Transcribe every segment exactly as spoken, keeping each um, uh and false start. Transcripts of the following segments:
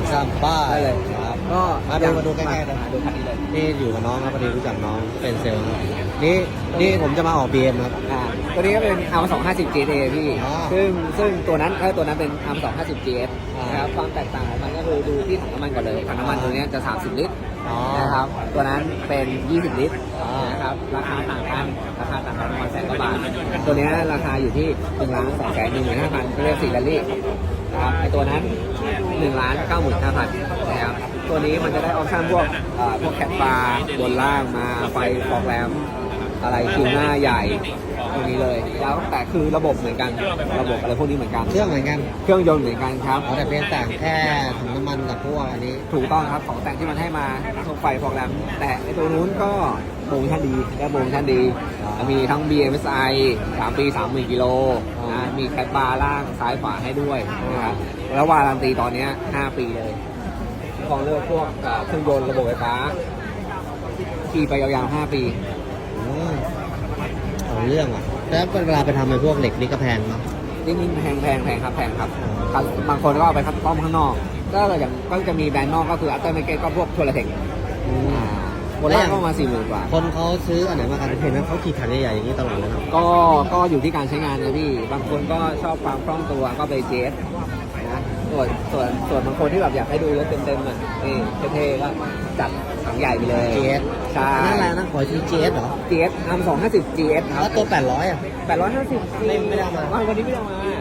ซัมบ้าได้เลยครับก็มาดูมาดูใกล้ๆนะดูคันนี้เลยนี่อยู่กับน้องครับพอดีรู้จักน้องเป็นเซลล์ครับนี่นี่ผมจะมาออก บี เอ็ม ครับอ่าตัวนี้ก็เป็น อาร์ สองห้าศูนย์ จี เอ พี่อ๋อซึ่งซึ่งตัวนั้นเออตัวนั้นเป็น อาร์ สองห้าศูนย์ จี เอสอ่านนะครับความแตกต่างของมันก็คือดูที่ถังน้ำมันก่อนเลยถังน้ำมันตัวเนี้ยจะ สามสิบ ลิตรอ๋อนะครับตัวนั้นเป็น ยี่สิบ ลิตรอ่านนะครับราคาต่างกันราคาต่างกันประมาณแสนกว่าบาทตัวเนี้ยราคาอยู่ที่หนึ่งล้านสองแสนหนึ่งหมื่นห้าพันเรียกสี่แรลลี่นะครับไอตัวนั้นหนึ่งล้านเก้าหมื่นห้าพันนะครับตัวนี้มันจะได้ออปชั่นพวกเอ่อพวกแคปบาร์บนล่างมาไฟฟอกแรมอะไรคิวหน้าใหญ่ตรงนี้เลยแล้วแต่คือระบบเหมือนกันระบบอะไรพวกนี้เหมือนกันเครื่องเหมือนกันเครื่องยนต์เหมือนกันครับเอาแต่เพียงแต่งแค่ถุงน้ำมันกับพวกอันนี้ถูกต้องครับของแต่งที่มันให้มาพวกไฟฟอกแรมแต่ไอตัวนู้นก็โปรโมชั่นดีได้โปรโมชั่นดีอ๋อมีทั้ง บี เอ็ม เอส ไอ สามปีสามหมื่นกิโลนะมีแคปบาร์ล่างซ้ายขวาให้ด้วยนะครับแล้ววารันตีตอนเนี้ยห้าปีเลยของเลือกพวกเอ่อเครื่องยนต์ระบบไฟฟ้าขี่ไปยาวๆห้าปีอืมเอาเรื่องอ่ะแล้วเวลาไปทำในพวกเหล็กนี่ก็แพงเนาะจริงๆแพงแพงแพงครับแพงครับครับบางคนก็เอาไปคัดต้อมข้างนอกก็อย่างก็จะมีแบรนด์นอกก็คืออัลเตอร์เมเกตก็พวกโทรเทคอืมบนล่างก็ประมาสี่หมื่นกว่าคนเขาซื้ออันไหนมากันเห็นนะเขาขี่คันใหญ่ๆอย่างนี้ตลอดเลยเนาะก็ก็อยู่ที่การใช้งานนะพี่บางคนก็ชอบความคล่องตัวก็ไปเจสนะส่วนส่วนส่วนบางคนที่แบบอยากให้ดูรถเต็มๆอ่ะนี่เท่ๆก็จัดถังใหญ่ไปเลยจี เอสใช่นั่นอะไรนะขอที จี เอส เหรอจี เอส อาร์ สองห้าศูนย์ จี เอส ครัแล้วบตัวแปดร้อยอ่ะแปดร้อยห้าสิบไม่ไม่ได้เอามาวันนี้ไม่ได้เอามานี่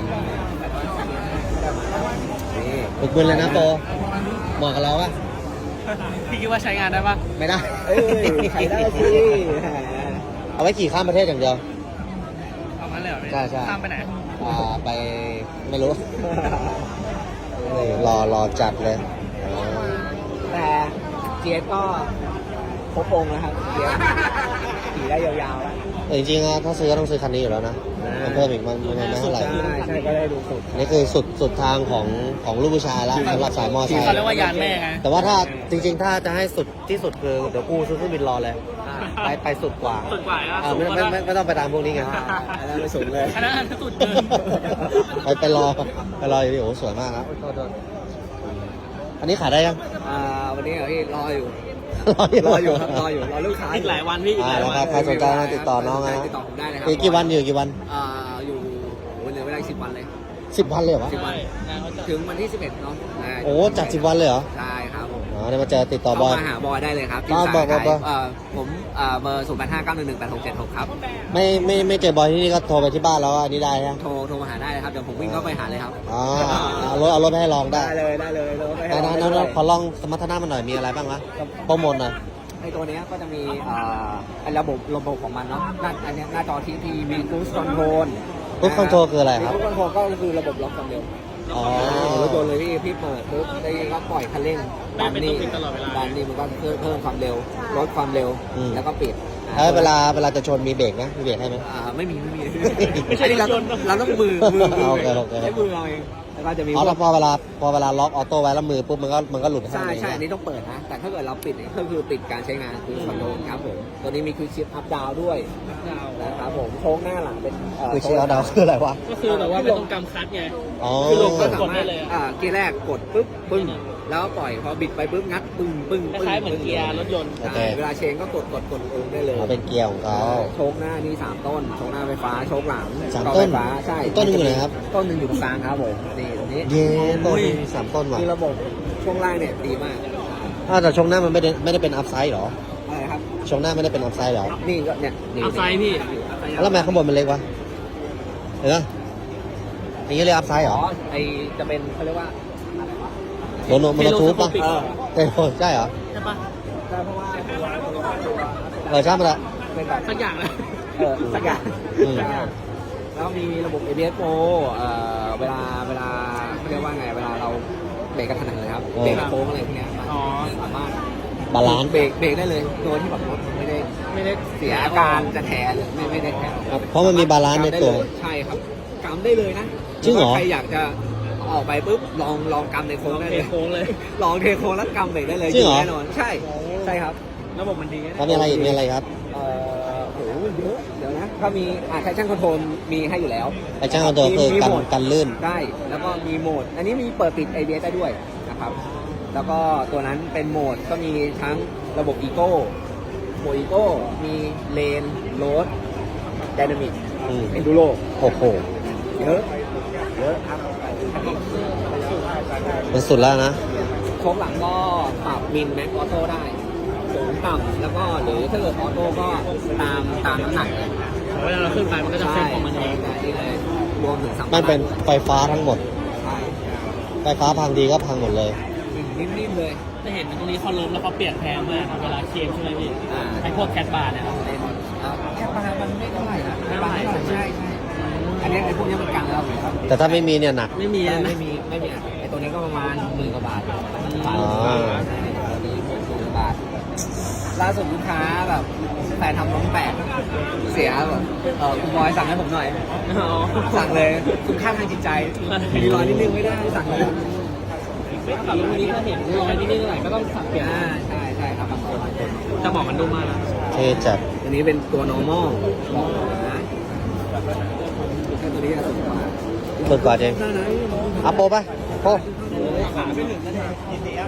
ปึกบึนเลยนะโปเหมาะกับเราปะพี่คิดว่าใช้งานได้ปะไม่ได้เอ้ยใช้ได้สิเอาไว้ขี่ข้ามประเทศอย่างเดียวเอางั้นเลยเหรอพี่ใช่ใช่ข้ามไปไหนอ่าไปไม่รู้ นี่รอรอจัดเลยอ๋อแต่ จี เอส ก็ครบองค์นะครับ จี เอส ขี่ได้ยาวๆแล้วแต่จริงๆอะถ้าซื้อก็ต้องซื้อคันนี้อยู่แล้วนะมันเพิ่มอีกมันมันไม่เท่าไหร่ใช่ใช่ก็ได้ดูสุดนี่คือสุดสุดทางของของลูกผู้ชายแล้วสำหรับสายมอไซเขาค์เรียกว่ายานแม่ไงแต่ว่าถ้าจริงๆ ถ้าจะให้สุดที่สุดคือเดี๋ยวกูซื้อเครื่องบินรอเลย ไปไปสุดกว่าสุดกว่าอ่ะเออไม่ไม่ไม่ไม่ต้องไปตามพวกนี้ไงอ่าอันนั้นไม่สูงเลยอันนั้นอันนั้นสุดเกินไปไปรอไปรออยู่ดิโอ้โหสวยมากครับโทษโทษอันนี้ขายได้ยังอ่าวันนี้เหรอพี่รออยู่รออยู่รออยู่ครับรออยู่รอลูกค้าอีกหลายวันพี่อีกหอ่าลายแล้ววันครับใครสนใจมาติดต่อน้องนะติดต่อผมได้นะครัอีกกี่วันอยู่กี่วันอ่าอยู่โอ้ยเหลือเวลาอีกสิบวันเลยสิบวันเลยเหรอวะสิบวันงานเขาจะถึงวันที่สิบเอ็ดเนาะาโอ้จัดสิบวันเลยเหรอใช่ครับผมอ๋อเดี๋ยวมาเจอติดต่อบอยเข้ามาหาบอยได้เลยครับอ่าที่บอกบอกบอกเอ่อผมเอ่อเบอร์ศูนย์แปดห้าเก้าหนึ่งหนึ่งแปดหกเจ็ดหกครับไม่ไม่ไม่เจอบอยที่นี่ก็โทรไปที่บ้านแล้วอันนี้ได้ฮะโทรโทรมาหาได้เลยครับเดี๋ยวผมวิ่งเข้าไปหาเลยครับอ๋อเอารถเอารถไปให้ลองได้ได้เลยได้เลยเราไปให้นั้นเรานั้นได้เลยขอลองสมรรถนะมันหน่อยมีอะไรบ้างวะโปรโมทหน่อยในตัวเนี้ยก็จะมีเอ่อไอ้ระบบระบบของมันเนาะหน้าอันเนี้ยหน้าจอทีทีมี cruise control Cruise control คืออะไรครับ cruise control ก็คือระบบล็อกความเร็วอ๋อรถยนต์เลยพี่พี่เปิดปุ๊บได้ก็ปล่อยคันเร่งดันนี่ดันนี่มันก็เพิ่มเพิ่มความเร็วลดความเร็วแล้วก็ปิดแล้วเวลาเวลาจะชนมีเบรกไหมมีเบรกให้ไหมอ่าไม่มีไม่มีไม่ใช่เราต้องเราต้องมือมือมือโอเคโอเคใช้มือเราเองแล้วก็จะมีอ๋อแล้วพอเวลาพอเวลาล็อกออโต้ไว้แล้วมือปุ๊บมันก็มันก็หลุดให้ใช่มันเองใช่อันนี้ต้องเปิดนะแต่ถ้าเกิดเราปิดเนี่ยก็คือปิดการใช้งานคือคอนโทรลครับผมตัวนี้มีคือชิปอัพดาวด้วยนะครับผมโค้งหน้าหลังเป็นเคือเชียร์ดาวคืออะไรวะก็คือแบบว่าไม่ต้องกำคัดไงอ๋อคือลงก็กสาดมาได้รถเลยอะอ่าเกียร์แรกกดปุ๊บปึ้งแล้วปล่อยพอบิดไปปุ๊บงัดปึ้งปึ้งคปึ้งล้ายๆเหมือนเกียร์รถยนต์โอเคใช่เวลาเชนก็กดกดกดเองได้เลยอ๋อเป็นเกียร์ของเขาโชคหน้านี่สามต้นโชคหน้าไฟฟ้าโชคหลังสามกล้องต้นไฟฟ้าใช่อีกต้นหนึ่งอยู่ไหนครับต้นหนึ่งอยู่ตรงกลางครับผมนี่ตรงนี้เย้ต้นหนึ่งสามต้นว่ะคือระบบช่วงล่างเนี่ยดีมากอ้าวแต่ชงหน้ามันไม่ได้ไม่ได้เป็นอัพไซด์หรออะไรครับชงหน้าไม่ได้เป็นอัพไซด์หรอนี่ก็เนี่ยนี่เอาไซด์พี่แล้วทำไมข้างบนมันเล็กวะเห็นปะอย่างนี้เรียกอัพไซด์เหรอ๋ออไอจะเป็นเขาเรียกว่าโดนโมโนทูปปะเออเออใช่เหรอใช่ปะใช่เพราะว่าตัวตัวตัวเออใช่มันละเป็นแบบสักอย่างเลยเออสักอย่างอืมแล้วมีระบบ เอ บี เอส Pro เอ่อเวลาเวลาเขาเรียกว่าไงเวลาเราเบรกกระทันหันเลยครับเบรกกระโค้งอะไรพวกเนี้ยมันอ๋อสามารถบาลานซ์เบรกเบรกได้เลยโดยที่แบบรถมันไม่ได้ไม่ได้เสียอาการจะแถหรือไม่ไม่ได้แถเพราะมันมีบาลานซ์ในตัวกำได้เลยใช่ครับกำได้เลยนะจริงเหรอใครอยากจะออกไปปุ๊บลองลองกำในโค้งได้เทเลยโค้งเลยลองเทโค้งแล้วกำเบรกได้เลยจริงเหรอแน่นอนใช่ใช่ครับระบบมันดีนะแล้วมีอะไรอีกมีอะไรครับเอ่อโหเยอะเดี๋ยวนะถ้ามีอ่าใช้ช่างคอนโทรลมีให้อยู่แล้วไอ้ช่างคอนโทรลคือมีกันโหมดกันลื่นได้แล้วก็มีโหมด อันนี้มีเปิดปิด เอ บี เอส ได้ด้วยนะคครับ แล้วก็ตัวนั้นเป็นโหมดก็มีทั้งระบบอีโก้โหมดอีโก้มีเลนโรดไดนามิกอืมเอนดูโรโอ้โหเยอะเยอะครับมันสุดแล้วนะโชคหลังก็ปรับมินแม็กออโต้ได้สูงต่ำแล้วก็หรือถ้าเกิดออโต้ก็ตามตามน้ำหนักเลยเวลาเราขึ้นไปมันก็จะเซ็ตของมันเองใช่นี่เลยรวมถึงสัมภามันระเป็นไฟฟ้าทั้งหมดใช่ไฟฟ้าพังดีก็พังหมดเลยนิ่มๆเลยจะเห็นตรงนี้เขาล้มแล้วเขาเปลี่ยนแพงมากครับเวลาเคลมใช่ไหมพี่อ่าไอพวกแคทบาร์เนี่ยครับเป็นครับแค่ปลามันไม่เท่าไหร่นะไม่เท่าไหร่ใช่ใช่อันนี้ไอ้พวกนี้มันกลางแล้วครับแต่ถ้าไม่มีเนี่ยหนักไม่มีไม่นะไม่มีไม่มีอ่ะไอ้ตัวนี้ก็ประมาณหมื่นกว่าบาทอ๋อตัวนี้หมื่นกว่าบาทล่าสุดลูกค้าแบบแฟนทำน้องแปลกเสียแบบเออคุณบอยสั่งให้ผมหน่อยอ๋อสั่งเลยคุณค่าทางจิตใจมีรอยนิดนึงไม่ได้สั่งเลยขับรถวันนี้ถ้าเห็นรอยนิดๆหน่อยๆก็ต้องสับเปลี่ยนอ่าใช่ใช่ครับบางคนบางคนจะบอกมันดูมากนะเท่จัดอันนี้เป็นตัว normal บอกนะแค่ตัวนี้จะสูงกว่าสุดกว่าจริงหน้าไหนอัพโปไปโปขาไม่ถึงนะเนี่ย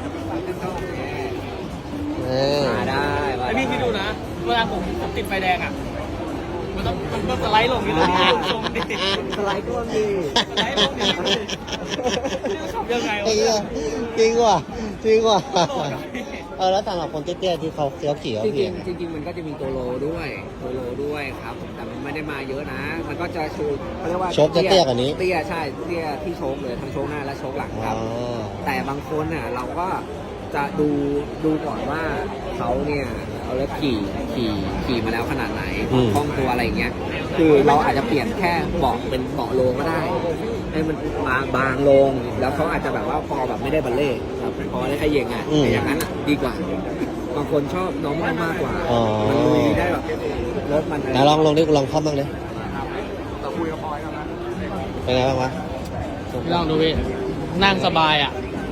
เออมาได้มาไอได้พี่คิดดูนะ เวลาผมผมติดไฟแดงอ่ะ มันต้องมันต้องสไลด์ลงนี่ตรงนี้ลงดิสไลด์ก็มีสไลด์ลงดิขับยังไงจริงวะว่ะจริงว่ะจริงว่ะเออแล้วสำหรับคนเตี้ยๆที่เขาเสียวเขียวจริงเพียงๆจริงๆมันก็จะมีตัวโลด้วยตัวโลด้วยครับผมแต่มันไม่ได้มาเยอะนะ มันก็จะชูเขาเรียกว่าโชคจะเตี้ยกว่านี้เตี้ยใช่เตี้ยที่โชคเลยทั้งโชคหน้าและโชคหลังอ๋ครับอแต่บางคนน่ะเราก็จะดูดูก่อนว่าเขาเนี่ยเอาแล้วขี่ขี่ขี่มาแล้วขนาดไหนอืมคล่องตัวอะไรอย่างเงี้ยคือเราอาจจะเปลี่ยนแค่เบาะเป็นเบาะโลก็ได้ให้มันบางบางลงแล้วเขาอาจจะแบบว่าพอแบบไม่ได้บัลเล่ต์แบบพอได้แค่เยงอ่ะอืมแต่อย่างนั้นอ่ะดีกว่า บางคนชอบน้องมากกว่าอ๋อมันลุยได้แบบรถมันอะไรไหนลองลองดิลองเข้าบ้างดิเราคุยกับบอยกันนะเป็นไงบ้างวะลองดูพี่ นั่งสบายอ่ะ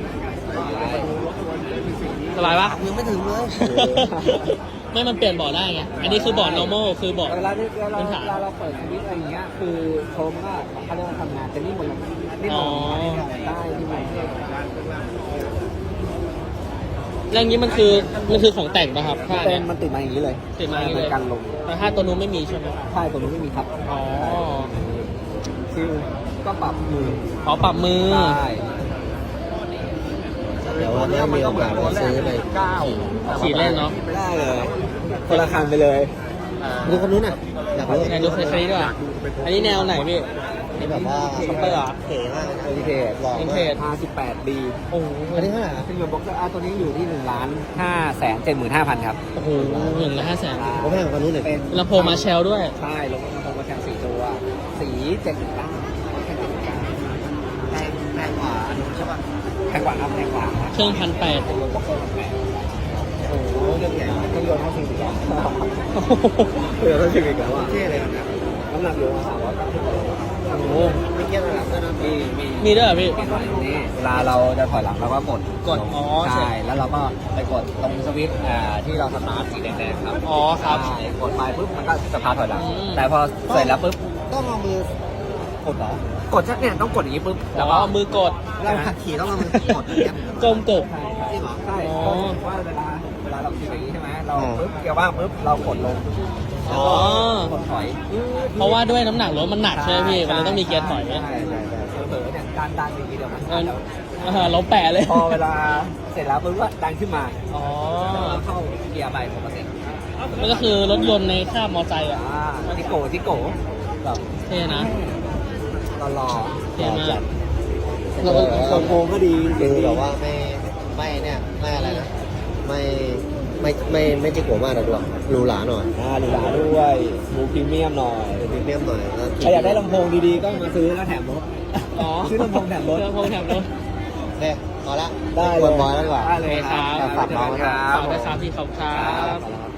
สบายปะยังไม่ถึงเลยไม่มันเปลี่ยนเบาะได้ไง อันนี้คือเบาะ normal คือเบาะเวลาที่เวลาพื้นเวฐานลาเราเปิดสวิตช์อะไรอย่างเงี้ยคือโชมก็เขาเรียกว่าทำงานแต่นี่หมดเลยนี่หมอ๋อดได้ที่มันแล้วอย่างนี้มันคือมันคือของแต่งป่ะครับผ้าเป็เนี่นยมันติดมาอย่างนี้เลยติดมาอย่างนี้เลยกันลงแต่ถ้าตัวนู้นไม่มีใช่ไหมใช่ตัวนี้ไม่มีครับอ๋อคือก็ปรับมือขอปรับมือได้เดี๋ยววันนี้มีโอกาสไปซื้อไปขี่ขี่เล่นเนาะได้เลยคนละคันไปเลยดูคนนู้นน่ะอยากรู้ไหนดูเคยคันนี้ด้วยอันนี้แนวไหนพี่นี่แบบว่าช็อปเปอร์เหรอเก๋มากเลยนะโอเคหล่อวินมาเทจกห้าสิบแปดดีโอ้โหอันนี้เท่าไหร่อะซึ่งเงินบ็อกเซอร์อาร์ตัวนี้อยู่ที่หนึ่งล้านห้าแสนเจ็ดหมื่นห้าพันครับโอ้โหหนึ่งละห้าแสนผมแพงกว่าคนนู้นหน่อยเป็นลำโพงมาแชลด้วยใช่ลงลำโพงมาแข่งสี่ตัว สีเจ็ดสิบเก้าแข่งเจ็ดสิบเก้าแพงแพงกว่าอันนู้นใช่ป่ะแพงกว่าครับแพงกว่าเครื่องพันแปดเป็นรถบ็อกเซอร์แบบแปดโอ้โหเรื่องใหญ่มากเครื่องยนต์เท่าซีวิกแล้วเครื่องยนต์เท่าซีวิกแล้วอ่ะเท่เลยนะน้ำหนักอยู่ประมาณสามร้อยเก้าสิบโลโอ้โหไม่เกี่ยวกับด้วยนะมีมีมีด้วยเหรอพี่มีไว้ตรงนี้เวลาเราจะถอยหลังเราก็กดกดอ๋อใช่ใช่แล้วเราก็ไปกดตรงสวิตช์อ่าที่เราสตาร์ทสีแดงๆครับอ๋อครับใช่กดไปปุ๊บมันก็จะพาถอยหลังอืมแต่พอเสร็จแล้วปุ๊บต้องเอามือกดเหรอกดชักเนี่ยต้องกดอย่างนี้ปุ๊บแล้วก็เอามือกดเราขับขี่ต้องเอามือกดอย่างเงี้ยก้มกบใช่ใช่ใช่อ๋อเพราะว่าเวลาเวลาเราขี่อย่างนี้ใช่ไหมเราปุ๊บเกียร์ว่างปุ๊บเรากดลงอ๋อกดถอยเพราะว่าด้วยน้ำหนักรถมันหนักใช่ไหมพี่ มันเลยต้องมีเกียร์ถอยใช่ใช่ใช่เผลอๆเนี่ยดันดันอย่างนี้เดียวมันเออเออเราแปะเลยพอเวลาเสร็จแล้วปุ๊บก็ดันขึ้นมาอ๋อแล้วก็เข้าเกียร์ไปปกติมันก็คือรถยนต์ในคาบมอไซค์อ่ะอ่าจิโก้จิโก้แบบเท่นะหล่อเท่มากๆแล้วก็ลำโพงก็ดีคือแบบว่าไม่ไม่เนี่ยไม่อะไรนะไม่ไม่ไม่ไม่จิกหัวมากนะด้วยหรูหราหน่อยอ่าหรูหราด้วยหมูพรีเมียมหน่อยพรีเมียมหน่อยแล้วใครอยากได้ลำโพงดีๆก็มาซื้อแล้วแถมรถอ๋อซื้อลำโพงแถมรถลำโพงแถมรถเด้พอละได้ควรบอยแล้วดีกว่าได้เลยครับฝากน้องไว้คนะรับฝากด้วยครับพี่ขอบคุณครับครับ